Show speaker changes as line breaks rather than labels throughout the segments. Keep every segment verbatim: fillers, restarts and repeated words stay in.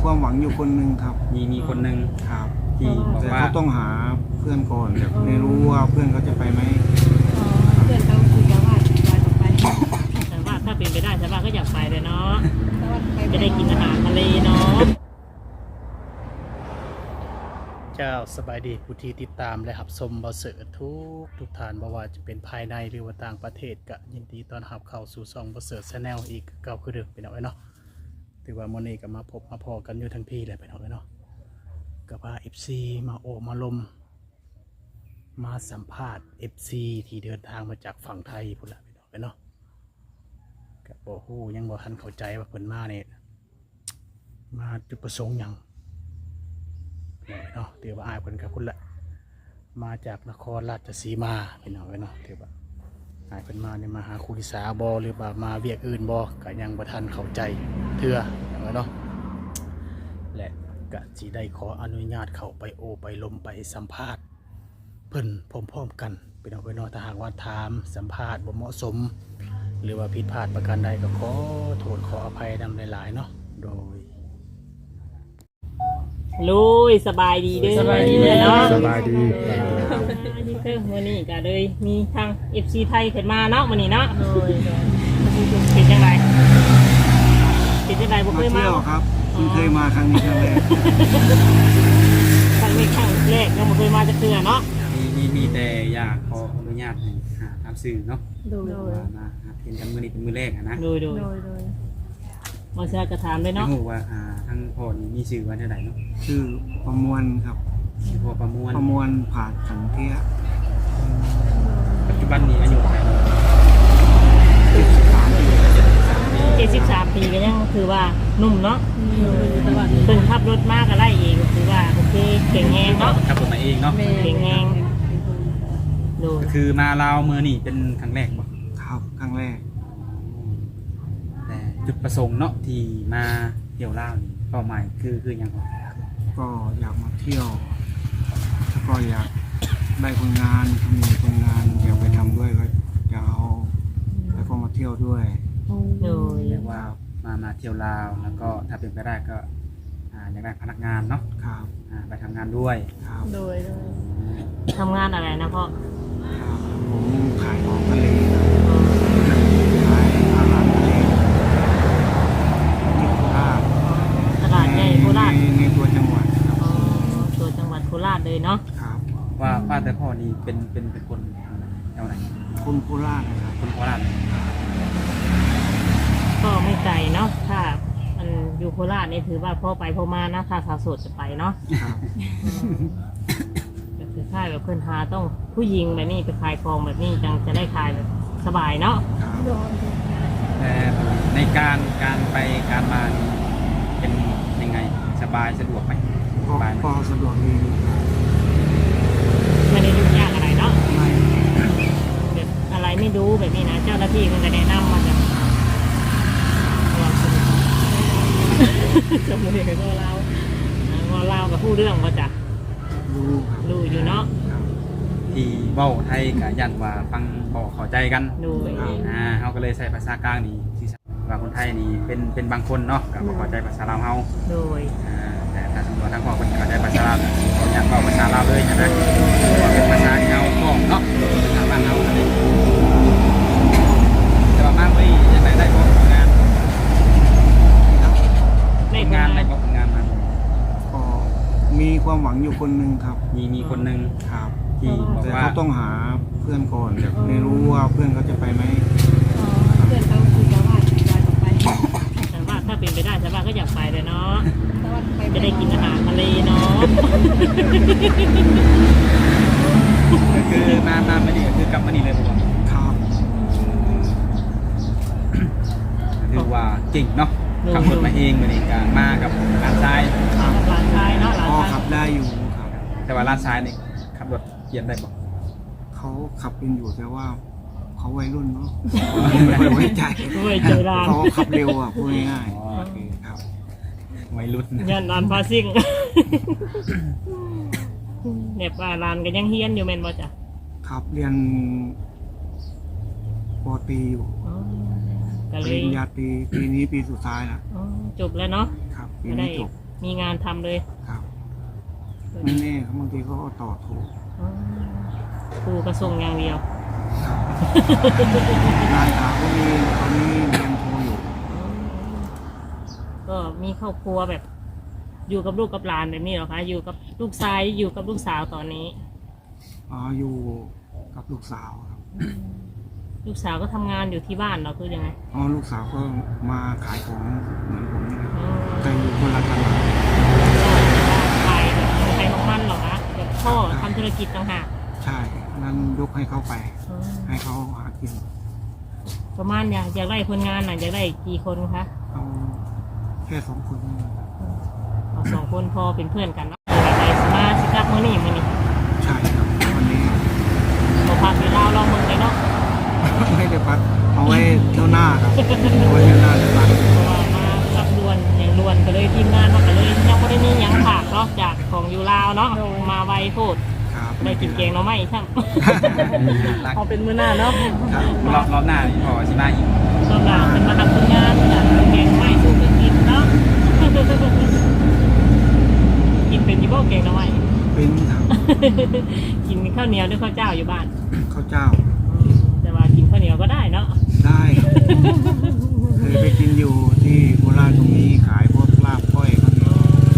ความหวังอยู่คนหนึ่งครับ
มีมีคนหนึ่ง
ครับ
ที่บอก
แต่
ว่า
เขาต้องหาเพื่อนก่อนแต่ไม่รู้ว่าเพื่อนเขาจะไปไหม
เพื่อนเขาคุยกันว่าลอยออกไป
แต่ว่าถ้าเป็นไปได้แต่ว่าก็อยากไปเลยเนาะจะได้กินอาหารทะเลเนาะ
เจ้าสบายดีผู้ที่ติดตามและหับชมบอเสือทุกทุกฐานบ่ว่าจะเป็นภายในหรือว่าต่างประเทศก็ยินดีต้อนรับเข้าสู่ช่องบอเสือแชนแนลอีกเก่าคือเดิมไปหน่อยเนาะถือว่ามื้อนี้ก็มาพบมาพอกันอยู่ทั้งพี่เลยไปหน่อยเนาะก็พา เอฟ ซี มาโอมาลมมาสัมภาษณ์ เอฟ ซี ที่เดินทางมาจากฝั่งไทยพุ่นละไปหน่อยเนาะก็บ่ฮู้ยังบ่ทันเข้าใจว่าเพิ่นมาเนี่ยมาจุดประสงค์หยังเนาะถือว่าอายเพิ่นกับพุ่นละมาจากนครราชสีมาพี่น้องเนาะถือว่าอายเพิ่นมาเนี่ยมาหาครูลิสาบอหรือว่ามาเวียกอื่นบอก็ยังบ่ทันเข้าใจเถื่อเนาะและก็สิได้ขออนุญาตเข้าไปโอไปลมไปสัมภาษณ์เพิ่นพร้อมๆกันพี่น้องเนาะถ้าหากว่าถามสัมภาษณ์บ่เหมาะสมหรือว่าผิดพลาดประการใดก็ขอโทษขออภัยนำหลายๆเนาะโดย
ลุยสบายดีเด้อ
สบายดี
เนาะ
สบายดี
นี่คือวันนี้ก็เลยมีทาง เอฟ ซี ไทยขึ้นมาเนาะวันนี้เนาะเป็นจังไรเป็นจังไรบ่เค
มาย
มา
เที่ยวครับเพิ่งเคยมาครั้งนี้ครั้งแรก
ครั้งนี้ครั้งแรกยังบ่เคยมาจะเทื่อเนาะ
มีมีมีแต่อยากขออนุญาตให้หาทำสื่อเนาะ
โดย
ว่ามาหาเห็นกันมือนี้เป็นมือแรกอะนะ
โดยโดย
โดยโดย
มาเสียกระถามเลย
ไม่
เนาะ
รู้ว่าอ่าทั้งพ่อนี่มีสื่อว่าเท่าไหร่เนาะ
ชื่อประมวลครับ
พ่อประมวล
ประมวลผาดสันเทีย
ปัจจุบันนี้อายุเท่าไหร่เนาะ
เจ็ดสิบสามปีก็ยังคือว่านุ่มเนาะ
แต่ว่า
เพิ่งขับรถมากก็ได้เองคือว่าโอเคเก่งแฮงเนาะ
ขับรถมาเองเนาะ
เก่งแฮงโดย
ก็คือมาลาวมือนี่เป็นครั้งแรกบ่
ครับครั้งแรก
แต่จุดประสงค์เนาะที่มาเที่ยวลาวนี่เป้าหมายคือคืออย่างไร
ก็อยากมาเที่ยวแล้วก็อยากได้คนงานมีคนงานอยากไปทำด้วยก็จะเอาแล้วก็มาเที่ยวด้วย
โดย
เรียกว่ามามาเที่ยวลาวแล้วก็ถ้าเป็นไปได้ก็อ่าอยากได้พนักงานเนาะ
ครับ
อ่าไปทำงานด้วย
ครับ
โดยโดย
ทำงานอะไรนะพ่อ
ครับผมขายของทะเลขายอาหารทะเลที่โคราช
ตลาดใหญ่โคราช
ในในตัวจังหวัดครับ
อ๋อตัวจังหวัดโคราชเลยเนาะ
ครับ
ว่าว่าแต่พ่อนี่เป็นเป็นเป็นคนแนวไหน
คนโคราชนะครับ
คนโคราช
ก็ไม่ไกลเนาะถ้ามันอยู่โคราชนี่ถือว่าพ่อไปพ่อมานะถ้าสาวโสดจะไปเนาะ
ครับ
ก็คือค่ายแบบเพื่อนหาต้องผู้หญิงแบบนี้ไปขายของแบบนี้จังจะได้ขายแบบสบายเนาะ
ครับ
โดย
แต่ในการการไปการมานี่เป็นยังไงสบายสะดวกไหม
ก็
สบายไหม
ก็สะดวกดี
ไม่ได้ยุ่งยากอะไรเนาะ
ไม่
แบบอะไรไม่รู้แบบนี้นะเจ้าหน้าที่มันก็แนะนำมาจากสมุนไพรก็เราเราเล่ากับผู้เรื่องมาจาก
รู้ครับ
รู้อยู่เนาะ
ครับ
ที่เว้าไทยกับยันว่าฟังบอกเข้าใจกัน
ดู
อ่าเขาก็เลยใช้ภาษากลางนี่ที่ว่าคนไทยนี่เป็นเป็นบางคนเนาะก็บ่เข้าใจภาษาลาวเฮา
โดย
อ่าแต่ถ้าสมมติว่าทางพ่อคนเข้าใจภาษาลาวเขาอยากบอกภาษาลาวเลยใช่ไหมว่าเป็นภาษาที่เราพ้องเนาะภาษาบ้านเราอะไรแต่ว่ามากเลยยังไงได้บอกงาน
ใน
งาน
งาน
ได้บอกงานมา
ก็มีความหวังอยู่คนหนึ่งครับ
มีมีคนหนึ่ง
ครับ
ที่บอก
แต่
ว่า
เขาต้องหาเพื่อนก่อนแต่ไม่รู้ว่าเพื่อนเขาจะไปไหม
เพื่อนเขาคุยกันว่าลอยออกไป
แต่ว่าถ้าเป็นไปได้แต่ว่าก็อยากไปเลยเนาะ
แต่ว่า
จะได้กินอาหารทะเลเนาะ
ก็คือมามาไม่ดีก็คือกลับมานี่เลยผมว่า
ครับ
คือว่าเก่งเนาะขับรถมาเองมาเองการมากับร้านทราย
หลานชายเนาะหลาน
พอ
ชาย
ขับได้อยู่ครับ
แต่ว่าร้านทรายนี่ขับรถเกียนได้บอก
เขาขับเป็นอยู่แต่ว่าเขาวัยรุ่นเนาะไม่ค่อยไว้ใจ
ด้วยใจร้าน
เขาขับเร็วอ่ะพูดง่ายๆครับ
วัยรุ่น
ยันร้านพาซิ่งเนี่ยป้าร้านก็ยังเฮียนอยู่เมนบ่จ้ะ
ครับเรียนปอตรีอยู่
ก็
ป
เล
ริ
ย
ญญาตรีปีนี้ปีสุดท้ายแล้ว
จบแล้วเนาะ
ครับปี
ก็ได้
นี้จบ
มมีงานทำเลย
ครับไม่แน่ครับบางทีเขาก็ต่อถูก
อ๋อครูกระส่งอย่างเดียว
งานหาก็มีตอนนี้เรียนโทอยู่
ก็มีครอบครัวแบบ อยู่กับลูกกับหลานแบบนี้เหรอคะอยู่กับลูกชายอยู่กับลูกสาวตอนนี้
อ๋ออยู่กับลูกสาวครับ
ลูกสาวก็ทำงานอยู่ที่บ้านเหราคือยังไง
อ๋อลูกสาวก็มาขายของเหมือนผมนี่แหละ
อ๋อ
แต่อยู่คนละตลาด
ขายแบบขายของมันเหรอคะแบบพ่อทำธุรกิจต่างหาก
ใช่นั้นยกให้เขาไป
อ๋อ
ให้เขาหากิน
ประมาณอยากอยากได้คนงานน่ะอยากได้กี่คนคะ
เอาแค่สองคนนี่
เอาสองคนพอเป็นเพื่อนกันเนาะไปสมาสิกลับมื้อนี้มื้อนี้
ใช่ครับวันนี้
บ่พาไปลาวลองเมืองเลยเนาะ
ไม่ได้พักเอาไว้เที่ยวหน้าครับเอาไว้เที่ยวหน้าเลยพัก
เพราะว่ามารับด่วนอย่างด่วนก็เลยทีมงานมาก็เลยยังบ่ได้มีหยังฝากเนาะจากของอยู่ลาวเนาะมาไวโพด
ครับ
ได้กินแกงหน่อไม้ช่าง
รัก
เอาเป็นมื้อหน้าเนาะ
ครับ
รอบรอบหน้านี่พอสิมาอีก
ก็ลาวเป็นมาทำคนงานอยากแกงหน่อไม้สู้กันกินเนาะ กินเป็นยี่บ่แกงหน่อไม้
เป็นครับ
กินข้าวเหนียวด้วยข้าวเจ้าอยู่บ้าน
ข้าวเจ้า
แต่ว่ากินข้าวเหนียวก็ได้เนาะ
ได้เคยไปกินอยู่ที่โคราชตรงนี้ขายพวกลาบก้อยข้าวเหนียว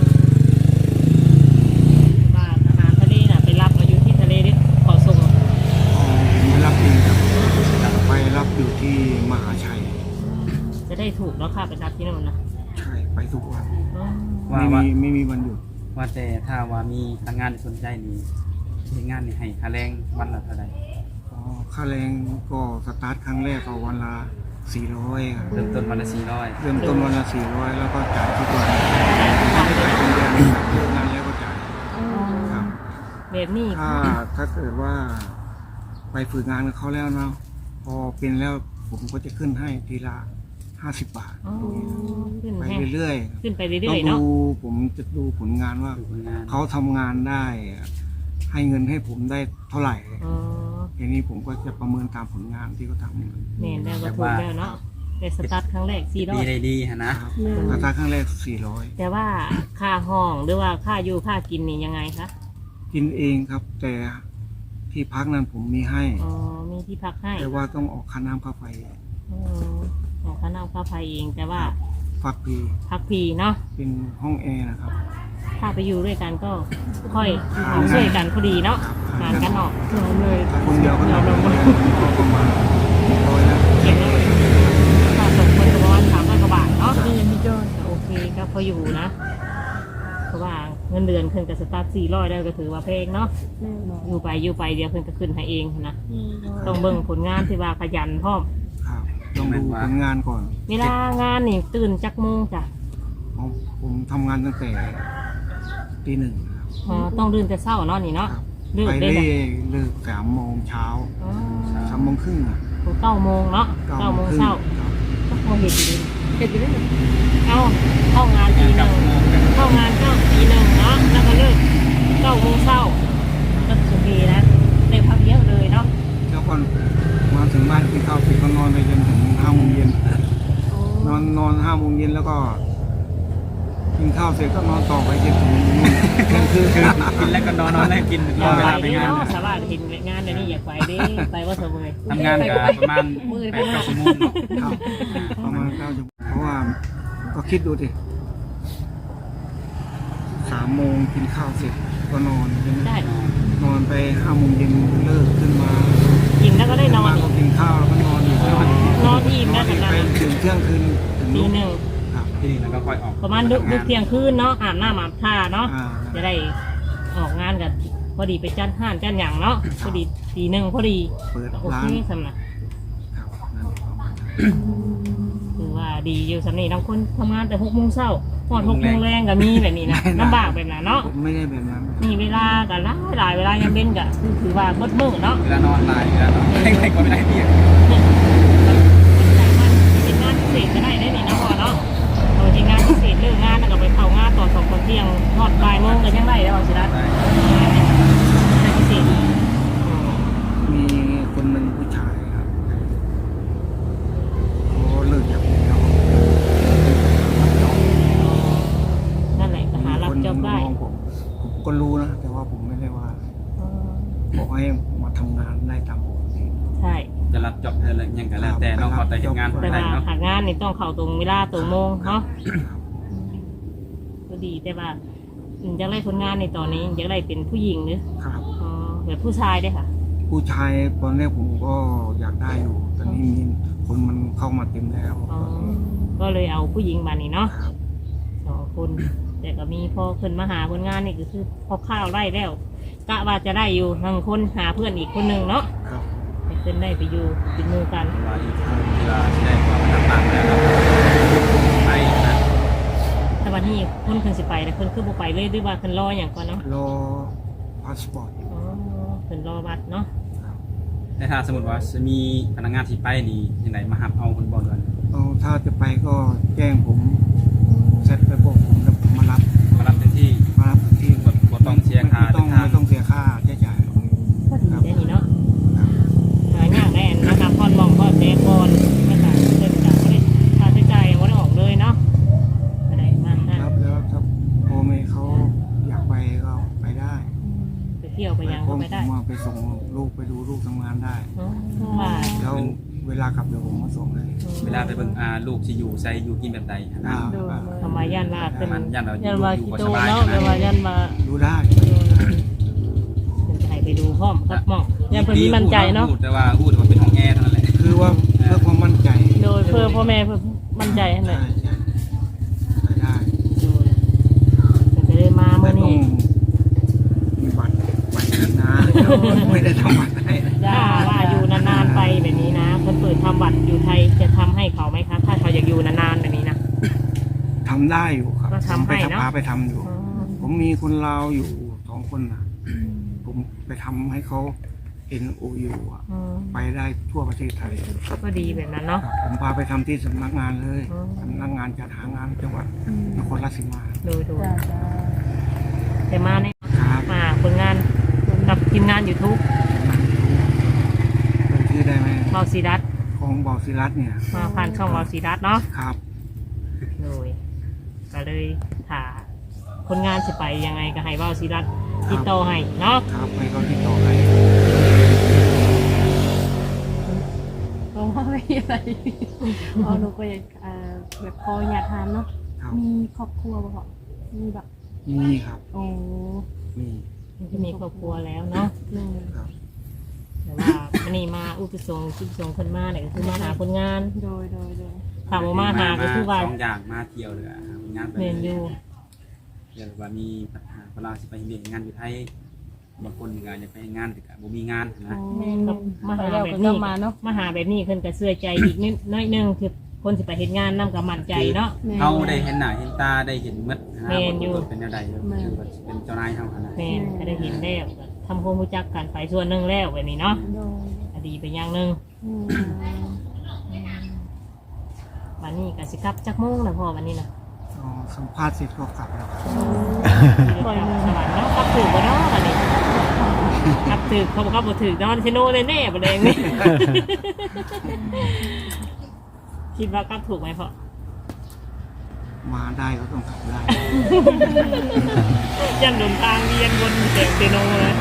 บ้านอาหารทะเลน่ะไปรับมาอยู่ที่ทะเลดิขอส่ง
อ๋อผมไม่รับเองครับไปรับอยู่ที่มหาชัย
จะได้ถูกเนาะค่ะไปรับที่นั่นนะ
ใช่ไปทุกวัน
อ๋อ
ว่า
ไม่
ว่า
มีไม่มีวันหยุด
ว่าแต่ถ้าว่ามีทางงานสนใจนี่เฮ็ดงานนี่ให้ค่าแรงวันละเท่าใด
อ๋อค่าแรงก็สตาร์ทครั้งแรกก็วันละสี่ร้อยครับ
เริ่มต้นวันละสี่ร้อย
เริ่มต้นวันละสี่ร้อยแล้วก็จ่ายทุกวันจ่ายเป็นเดือนครับเลิกงานแล้วก็จ่ายครับ
แบบนี้
ถ้าถ้าเกิดว่าไปฝึกงานกับเขาแล้วเนาะพอเป็นแล้วผมก็จะขึ้นให้ทีละห้าสิบบาท
อ๋อขึ้น
ไป
แห้ง
เรื่อย
ขึ้นไป
ๆ
เรื่
ต้อ
อย
ง
ๆเนาะ
ดูผมจะดูผลงานว่า
ดูผลงาน
เขาทำงานได้ ให้เงินให้ผมได้เท่าไหร่
อ๋อ
ทีนี้ผมก็จะประเมินตามผลงานที่เขาทำ
แม่นแล้วก็ถูกแล้วเนาะแต่สตาร์ทครั้งแรกสี่ร้อ
ดี
ย
ได้ดีฮะนะครับ
ราคาครั้งแรกสี่ร้อย
แต่ว่าค่าห้องหรือว่าค่าอยู่ค่ากินนี่ยังไงคะ
กินเองครับ แต่ที่พักนั้นผมมีให้
อ๋อมีที่พักให้
แต่ว่าต้องออกค่าน้ำค่าไฟ
อ๋อออกค่าน้ำค่าไฟเองแต่ว่า
พักฟรี
พักฟรีเนาะ
เป็นห้องแอร์นะครับ
ถ้าไปอยู่ด้วยกันก็ค่อยช่วยกันพอดีเนาะงานกันออกเลย
ถ้าคนเดียวก็นอนก็ประมาณร้อยแล้ว
เก็บเลยค่าสมคนก็ประมาณสามร้อยกว่าบาทเนาะนี่ยังมีจอนโอเคก็พออยู่นะเพราะว่าเงินเดือนขึ้นกับสตาร์ทสี่ร้อยได้ก็ถือว่าแพงเนาะอยู่ไปอยู่ไปเดียวขึ้นก็ขึ้นให้เองนะต้องเบิ่งผลงานที่ว่าขยันพร้อม
ครับต้องดูผลงานก่อน
เวลางานนี่ตื่นจักโมงจ้ะ
ผมผมทำงานตั้งแต่ตีหนึ่งครับ
อ๋อต้องตื่นแต่เช้าเนาะนี่เนาะ
ครับ
เลิก
ไป
ได้
เล่
จ้ะ
เลิกสามโมงเช้า
อ๋อ
สามโมงครึ่งอะ
เก้าโมงเนาะเก้าโมง
ครึ่
เช้า
ครับ
ก็พอเห็นอยู่ดีเห็นอยู่ดีเอาเข้างานตีหนึ่งเข้างานเก้าตีหนึ่งเนาะแล้วก็เลิกเก้าโมงเช้าก็โอเคนะได้พักเยอะเลยเนาะ
แล้วก็มาถึงบ้านกินข้าวเสร็จก็นอนไปจนถึงห้าโมงเย็นนอนนอนห้าโมงเย็นแล้วก็กินข้าวเสร็จก็นอนต่อไปจนถึงนู่นเที่ยงคืน
คือกินแล้วก็นอนนอนแล้วกิน
อ
รอย
าก
เว
ไป
ลาไป
ดิ
งาน
เนาะสบายเห็นงานเดี๋ยวนี้อยากไปดิไปว่าเสมอ
ทำงานกับประมาณแปดเก้าชั่วโมงเนาะ
ครับประมาณเก้าชั่วโมงเพราะว่าก็คิดดูดิสามโมงกินข้าวเสร็จก็นอนใช่ไหม
ได้
นอนไปห้าโมงเย็นเลิกขึ้นมา
กินแล้วก็ได้นอน
มา
อี
ก็
ก
กินข้าวแล้วก็นอนอีก
นอนอิ่ม
นอ
นะ
นอี
ข
ก
นาด
ไป
นั้น
ถึงเที่ยงคืนถึง
ตี
นู่น
หนึ่ง
ครับ
ที่นี่แล้วก็ค่อยออก
ประมาณดึกดึกเที่ยงคืนเนาะอาบน้ำอาบท่าเนาะ
อ่า
จะได้ออกงานกันพอดีไปจัดห้านจัดอย่างเนาะพอดีตีหนึ่งพอดี
เปิด
โอ
ร้า
เคน สำนัก
ครับนั่นประมาณนั้น
คือว่าดีอยู่สำนีบางคนทำงานแต่หกโมงเช้าพอดหกโมงแรงก็มีแบบนี้นะลำบากแบบนั้นเนาะ
ผมไม่ได้แบบนั้น
มีเวลากันหลายหลายเวลายังเป็นก็ถือว่าเบิดมือเนาะ
เวลานอนลายเวลานอนไม่ก็ไม่ได้เพียง
เป็นงานพิเศษก็ได้ได้นี่นะพ่อเนาะเราเป็นงานพิเศษเลิกงานแล้วก็ไปเข้างานต่อสองคนเที่ยงทอดบ่ายโมงก็ยังได้แล้วสิรัตงานพิเศษ
มีคนหนึ่งผู้ชายครับเขาเลิกจากผมแล้ว
นั่นแหละก็
ได้ตามปกติ
ใช่
จะรับจอบเธอเลยยังกันแล้วแต่น้องเขาแต่เห็นงาน
แต่
ได้
ว่า
เนาะ
หางานนี่ต้องเข้าตรงเวลาตรงโมงเนาะก็ดีแต่ว่าอยากได้คนงานในตอนนี้อยากได้เป็นผู้หญิงหรือ
ครับ
อ๋อแบบผู้ชายได้ค่ะ
ผู้ชายตอนแรกผมก็อยากได้อยู่ตอนนี้มีคนมันเข้ามาเต็มแล้ว
อ๋อก็เลยเอาผู้หญิงมานี่เนาะ
ครับ
สองคนแต่ก็มีพอขึ้นมาหาคนงานนี่ก็คือพอข้าวได้แล้วกะว่าจะได้อยู่หนึ่งคนหาเพื่อนอีกคนหนึ่งเนาะ
ครับ
ให้ขึ้นได้ไปอยู่เป็นหมือกัน
เวลาที่เวลาที่ได้ความต่างต่างแล้วเราไปนะ
แต่วันนี้คนขึ้นสิไปแต่คนขึ้นบ่ไปเลยด้วยว่าขึ้นรออย่างก่อนเนาะ
รอพาสปอร์ต
อ๋อขึ้นรอบัตรเนาะ
แต่ถ้าสมมติว่าจะมีพนักงานที่ไปนี่ยังไงมาหับเอาคนบอลกัน
เอาถ้าจะไปก็แจ้งผมเสร็จไปบอกผมแล้วผมมารับ
มารับเต็มที่
มารับที่
บทบทต้องเสียค่า
ไม่ต้อง
เดินทาง
ไม่ต้องเสียค่าใช้จ่าย
ก็ดีได้นี่เนาะ
ครับ
หายากได้นะคะพอนมองพอนแม่ก่อนไม่ต่างเกินจากไม่ได้ค่าใช้จ่ายยังไม่ได้ออกเลยเนาะไม่ได้มากนะ
รับแล้วถ้าพ่อแม่เขาอยากไปก็ไปได้
ไปเที่ยวไปยังก็ไม่ได้
ผมว่าไปส่งลูกไปดูลูกทำงานได้
อ๋อว่า
แล้วเวลากลับเดี๋ยวผมมาส่งให้
เวลาไปเบิ่งอาลูกที่อยู่ใส่อยู่กินแบบใดนะ
อ่า
ทำไมย่านว่าเป็น
มันยันเราอ
ยั
ยู่
นว่า
อยู่
คิ
บ่
โต
สบาย
เนาะ
นะ
แปลว่ายันว่า
ดูได้
เป็นไทยไปดูพร้อมครับหมอง
ยันเพิ่นมีมั่นใจเนาะ
พูดแต่ว่าพูดว่าเป็นห้องแอร์เท่านั้นแหละ
คือว่าเพื่อความมั่นใจ
โดยเพื่อพ่อแม่เพื่อมั่นใจนั่นแห
ใช่
ละ
ใช่ไปได้
เป็นไปได้มา
แต่
เมื่อ
ต้อ
นี้
งมีบัตรไปนะไม่ได้ทำบัตรให้
ถ้าว่าอยู่นานๆไปแบบนี้นะเพิ่นเปิดทำบัตรอยู่ไทยจะทำให้เขาไหมคะถ้าเขาอยากอยู่นานๆแบบนี้นะ
ทำได้อยู่ครับ
ก็ทำให้
ไป
เนอะ
พาไปทำอยู่ ผมมีคนลาวอยู่สองคนนะผมไปทำให้เขา เอ็น โอ ยู อ่ะ
อืม
ไปได้ทั่วประเทศไทย
ก็ดีแบบนั้นเนาะ
ผมพาไปทำที่สำนักงานเลย
อืม
สำนักงานจัดหางานจังหวัดนครราชสีมา
ดูดู
จ้าจ้า
แต่มาใน
ครับ
มาผลงานกับทีมงานยูทูบ
เป็นชื่อได้ไหม
เบาซีดัส
ของบอศิรัตน์เนี่ย
มาผ่านช่องเบาซีดัสเนาะ
ครับ
โดยก็เลยถ่าคนงานสิไปยังไงก็ให้เบาซีดัสติดต่อให้เนาะ
ครับให้เขาติดต่อให้
เพราะว่าไม่มีอะไรอ๋อหนูก็อยากเอ่อแบบพออยากถามเนาะ
ครับ
มีครอบครัวบ่พ่อมีแบบ
มีครับ
โอ้
มี
มันจะมีครอบครัวแล้วเนาะ
หนึ่ง
ครับ
แต่ว่าอันนี้มาอุปสงค์อุปสงค์คนมาเนี่ยก็คือมาหาคนงาน
โดยโดยโดย
ถามว่ามาหาก็คือว่า
สองอย่างมาเที่ยวเลยอะงานไป
เมนอยู่
เดี๋ยวว่ามีปัญหาเวลาสิไปเรียนงานอยู่ไทยบางคนก็อยากไปงานแต่ก็บ่มีงานนะ
กับมาหา
ไปแล้ว
แบบ
ก็
นี้
มาเนาะ
มาหาแบบนี้เพิ่นก็เสื่อใจอีกนิดน้อยหนึงคือคนสิไปเห็นงานนํกับมั่นใจเนาะ
แม่
เขาได้เห็นหน้าเห็นตาได้เห็นมัดนะ
แม่นอยู่
ว่าเป็นอะไรคือว่าเป็นเจ้านายเขาขนาด
แม่นก็ได้เห็นแล้วก็ทำความรู้จักกันไปส่วนหนึงแล้วแบบนี้เนาะ
โดย
ก็ดีไปอย่างหนึง
อืม
วันนี้ก็สิกลับจักโมงนะพ่อวันนี้นะ
อ๋อสัมภาษณ์เสร็จก็กลับแล้วครับ
ปล่อยมือสวรรค์เนาะกลับถือบ่เนาะวันนี้กลับถือเขาบอกว่าบ่ถือเนาะเชโน่แน่ๆบ่แดงนี่ คิดว่ากลับถูกไหมพ่อ
มาได้ก็ต้องกลับได้
ยันหนุนทางเวียนบนเสียงเซโนเลย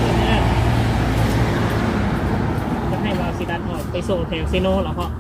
จะให้วาวซิดันออกไปส่งแถวเซโนเหรอพ่อ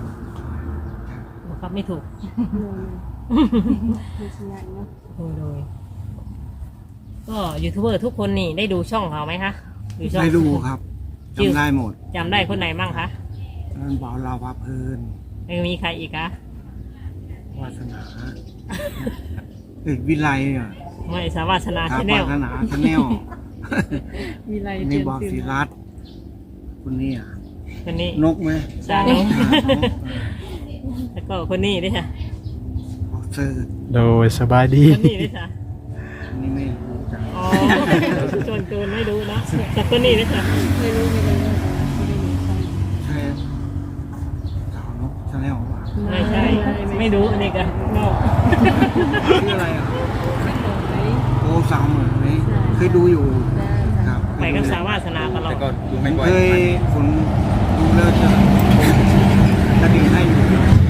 บอกครับไม่ถูก
โดยมีสัญญาณเนาะ
โดยโดยก็ยูทูบเบอร์ทุกคนนี่ได้ดูช่องเขาไหมคะช่อง
ได้ดูครับจำได้หมด
จำได้คนไหนบ้างคะ
นั่นบ่าวลาวพาเพลิน
ไม่มีใครอีกคะ
วาสนาเอกวิไลอ่ะ
ไม่สาวาสนา
ครั
ชา
บ
แนล
วาสนาชาแนล
มีอะไร
นี่
เตือน
บอศิ
ตื่น
รัตน์คนนี้อ่ะ
คนนี้
นกไหม
จานง
อ่านก
แล้วก็คนนี้ด้วยค่ะ
ออกเสิร์ต
โดยสบายดี
คนนี้ด้วยค่ะ
อันนี่ไม่รู้จัก
อ๋อจนเกินไม่รู้นะแต่คนนี้ด้วยค่ะ
ไม่รู้ไม่รู้ไม่ได้มีใคร
ใช่สาวนกชาแนลว่ะ
ไม่ใช่ไม่รู้อันนี้กันนอก
ชื่ออะไรอ่ะโอ้สาวเหมือนไหมเคยดูอยู่ครับ
ไปกับสาวาสนาตลอ
แต่
ด
ก็ดูไม่บ่อย
เคยฝนดูแล้วจะกระดิ่งให้อยู่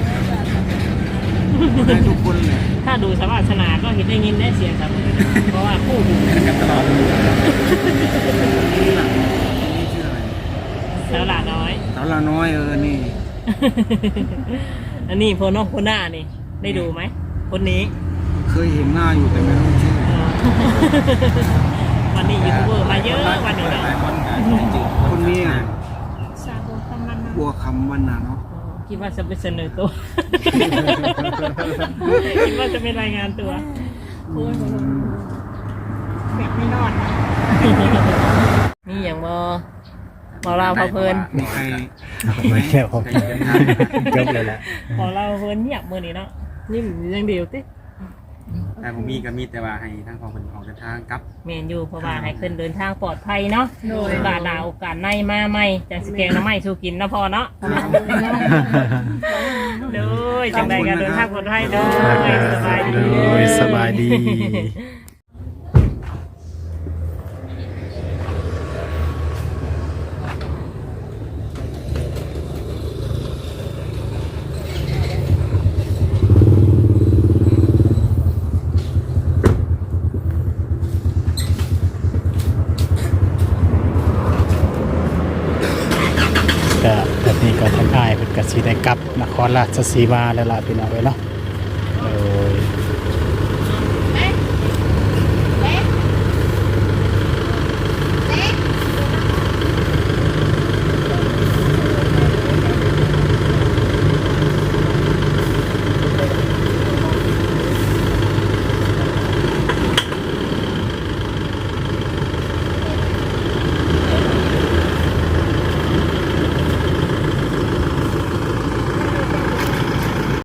ให้ทุกคนเลย
ถ้าดูสาวาสนาก็เห็นได้ยินได้เสียงครับเพราะว่าคู่หู
กันตลอด
นี่ล่ะนี่ชื่ออะไร
สาวหลาน้อย
สาวละน้อยเออนี่
อันนี้โพน้องโพหน้านี่ได้ดูไหมคนนี้
เคยเห็นหน้าอยู่แต่ไม่รู้ชื่อ
วันนี้ยูทูบเบอร์มาเยอะวันนี้
ห
เนาะ
ลายคนก็จืด
คนนี้อ่ะ
สาธุคำมันนะ
บัวคำวันน่ะเนาะ
คิดว่าจะไปเสนอตัว คิดว่าจะเป็นรายงานตัว
โอ้ยบ่รู้แบบไม่นอน
นี่อย่างบอพอเราพอเพลิน
มีใคร
ไม่เกี่ยว
ใครเดินทาง
จบเลยแหละ
พอเราเพลินเงียบมือนี้เนาะนี่มันยังเดียวติ
แต่ผมมีก็มีแต่ว่าให้ทางของคนออกเดินทางกลับ
เมนอยู่เพราะว่าให้ขึ้นเดินทางปลอดภัยเนาะ
โดย
บาดาโอกาสในมาใหม่จะสแกงน้ำไม้สู้กินนะพอเนาะโดยจังใดการเดินทางปลอดภัยโดยสบายดี
โดยสบายดี ก็แบบนี้ก็ทางอ้ายเพิ่นก็สิได้กลับนครราชสีมาแล้วล่ะพี่น้องเอ้ยเนาะโอ้